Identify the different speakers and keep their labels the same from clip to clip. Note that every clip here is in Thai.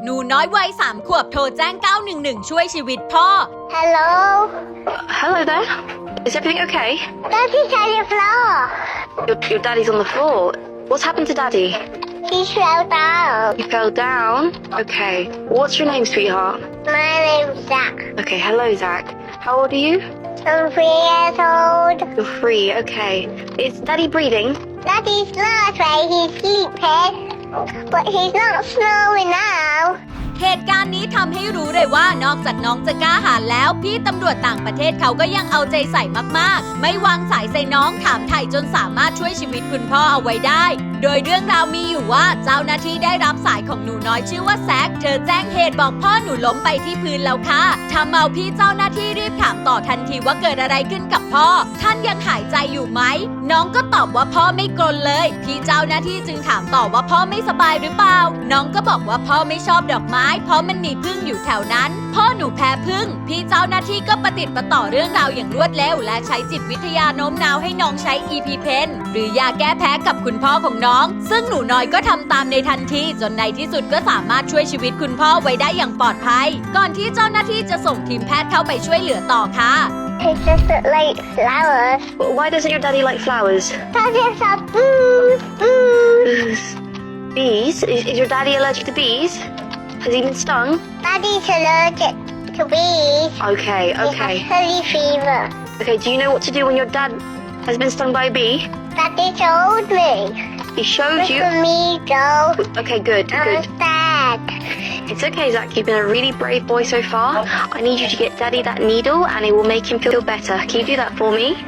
Speaker 1: หนูน้อยวัย3 ขวบโทรแจ้ง911ช่วยชีวิตพ่อ
Speaker 2: Hello?
Speaker 3: Hello there. Is everything okay?
Speaker 2: Daddy's on the floor.
Speaker 3: Your daddy's on the floor. What's happened to daddy?
Speaker 2: He fell down.
Speaker 3: He fell down? Okay. What's your name, sweetheart?
Speaker 2: My name's Zach.
Speaker 3: Okay, hello, Zach. How old are you?
Speaker 2: I'm 3 years old.
Speaker 3: You're 3, okay. Is daddy breathing?
Speaker 2: Daddy's not right. He's sleeping. But he's not snoring now.
Speaker 1: เหตุการณ์นี้ทำให้รู้เลยว่านอกจากน้องจะกล้าหาญแล้วพี่ตำรวจต่างประเทศเขาก็ยังเอาใจใส่มากๆไม่วางสายใส่น้องถามไถ่จนสามารถช่วยชีวิตคุณพ่อเอาไว้ได้โดยเรื่องราวมีอยู่ว่าเจ้าหน้าที่ได้รับสายของหนูน้อยชื่อว่าแซคเธอแจ้งเหตุบอกพ่อหนูล้มไปที่พื้นแล้วค่ะทำเอาพี่เจ้าหน้าที่รีบถามต่อทันทีว่าเกิดอะไรขึ้นกับพ่อท่านยังหายใจอยู่ไหมน้องก็ตอบว่าพ่อไม่กรนเลยพี่เจ้าหน้าที่จึงถามต่อว่าพ่อไม่สบายหรือเปล่าน้องก็บอกว่าพ่อไม่ชอบดอกไม้เพราะมันมีผึ้งอยู่แถวนั้นพ่อหนูแพ้ผึ้งพี่เจ้าหน้าที่ก็ประติดประต่อเรื่องราวอย่างรวดเร็วและใช้จิตวิทยาโน้มน้าวให้น้องใช้ EpiPen หรือยาแก้แพ้กับคุณพ่อของน้องซึ่งหนูน้อยก็ทำตามในทันทีจนในที่สุดก็สามารถช่วยชีวิตคุณพ่อไว้ได้อย่างปลอดภัยก่อนที่เจ้าหน้าที่จะส่งทีมแพทย์เข้าไปช่วยเหลือต่อค่ะ
Speaker 2: He doesn't like flowers.
Speaker 3: Why doesn't your daddy like flowers?
Speaker 2: Daddy's a boo.
Speaker 3: Bees? Is your daddy allergic to bees? Has he been stung?
Speaker 2: Daddy's allergic to bees.
Speaker 3: Okay, okay.
Speaker 2: He has honey fever.
Speaker 3: Okay, do you know what to do when your dad has been stung by a bee?
Speaker 2: Daddy told me.
Speaker 3: He showed
Speaker 2: Look
Speaker 3: you?
Speaker 2: at me, Joe.
Speaker 3: Okay, good,
Speaker 2: I'm
Speaker 3: good.
Speaker 2: sad.
Speaker 3: It's okay, Zach. You've been a really brave boy so far. I need you to get Daddy that needle and it will make him feel better. Can you do that for me?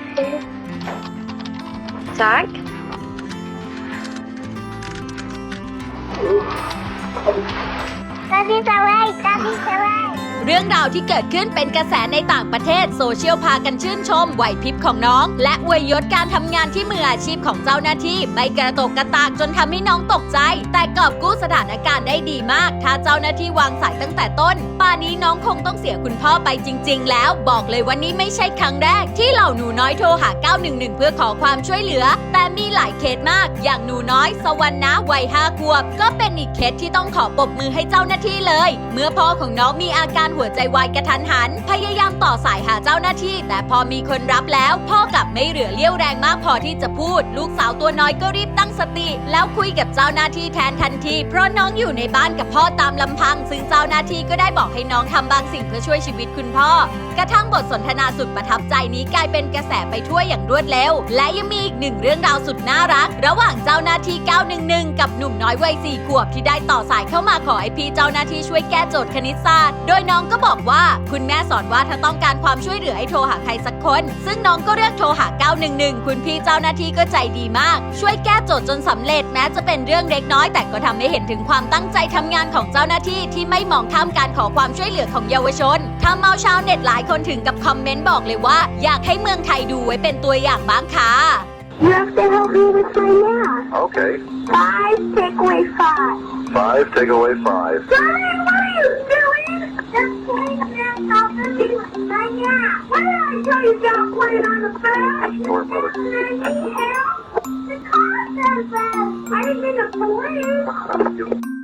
Speaker 3: Zach?
Speaker 2: Daddy's alright. Daddy's alright.
Speaker 1: เรื่องราวที่เกิดขึ้นเป็นกระแสในต่างประเทศโซเชียลพากันชื่นชมไหวพริบของน้องและอวยยศการทำงานที่มืออาชีพของเจ้าหน้าที่ไม่กระตกกระตากจนทำให้น้องตกใจแต่กอบกู้สถานการณ์ได้ดีมากถ้าเจ้าหน้าที่วางสายตั้งแต่ต้นป่านนี้น้องคงต้องเสียคุณพ่อไปจริงๆแล้วบอกเลยวันนี้ไม่ใช่ครั้งแรกที่เหล่าหนูน้อยโทรหา911เพื่อขอความช่วยเหลือแต่มีหลายเคสมากอย่างหนูน้อยสวรรณะวัย5 ขวบก็เป็นอีกเคสที่ต้องขอปรบมือให้เจ้าหน้าที่เลยเมื่อพ่อของน้องมีอาการหัวใจวายกระทันหันพยายามต่อสายหาเจ้าหน้าที่แต่พอมีคนรับแล้วพ่อกลับไม่เหลือเลี้ยวแรงมากพอที่จะพูดลูกสาวตัวน้อยก็รีบตั้งสติแล้วคุยกับเจ้าหน้าที่แทนทันทีเพราะน้องอยู่ในบ้านกับพ่อตามลำพังซึ่งเจ้าหน้าที่ก็ได้บอกให้น้องทำบางสิ่งเพื่อช่วยชีวิตคุณพ่อกระทั่งบทสนทนาสุดประทับใจนี้กลายเป็นกระแสไปทั่วอย่างรวดเร็วและยังมีอีกหนึ่งเรื่องราวสุดน่ารักระหว่างเจ้าหน้าที่911กับหนุ่มน้อยวัย4 ขวบที่ได้ต่อสายเข้ามาขอให้พี่เจ้าหน้าที่ช่วยแก้โจทย์คณิตศาสตร์โดยน้องก็บอกว่าคุณแม่สอนว่าถ้าต้องการความช่วยเหลือให้โทรหาใครสักคนซึ่งน้องก็เลือกโทรหา911คุณพี่เจ้าหน้าที่ก็ใจดีมากช่วยแก้โจทย์จนสำเร็จแม้จะเป็นเรื่องเล็กน้อยแต่ก็ทำให้เห็นถึงความตั้งใจทำงานของเจ้าหน้าที่ที่ไม่มองข้ามการขอความช่วยเหลือของเยาวชนทำเอาชาวเน็ตหลายคนถึงกับคอมเมนต์บอกเลยว่าอยากให้เมืองไทยดูไว้เป็นตัวอย่างบ้างค่ะ
Speaker 2: You have to help me with my math.
Speaker 4: Okay.
Speaker 2: 5 take away 5.
Speaker 4: 5, take away 5.
Speaker 2: Daddy, what are you doing? Just playing math off the right now. What did I tell you about playing on the bed?
Speaker 4: Sure, mother.
Speaker 2: Need help? The car says that. I didn't mean to pull it.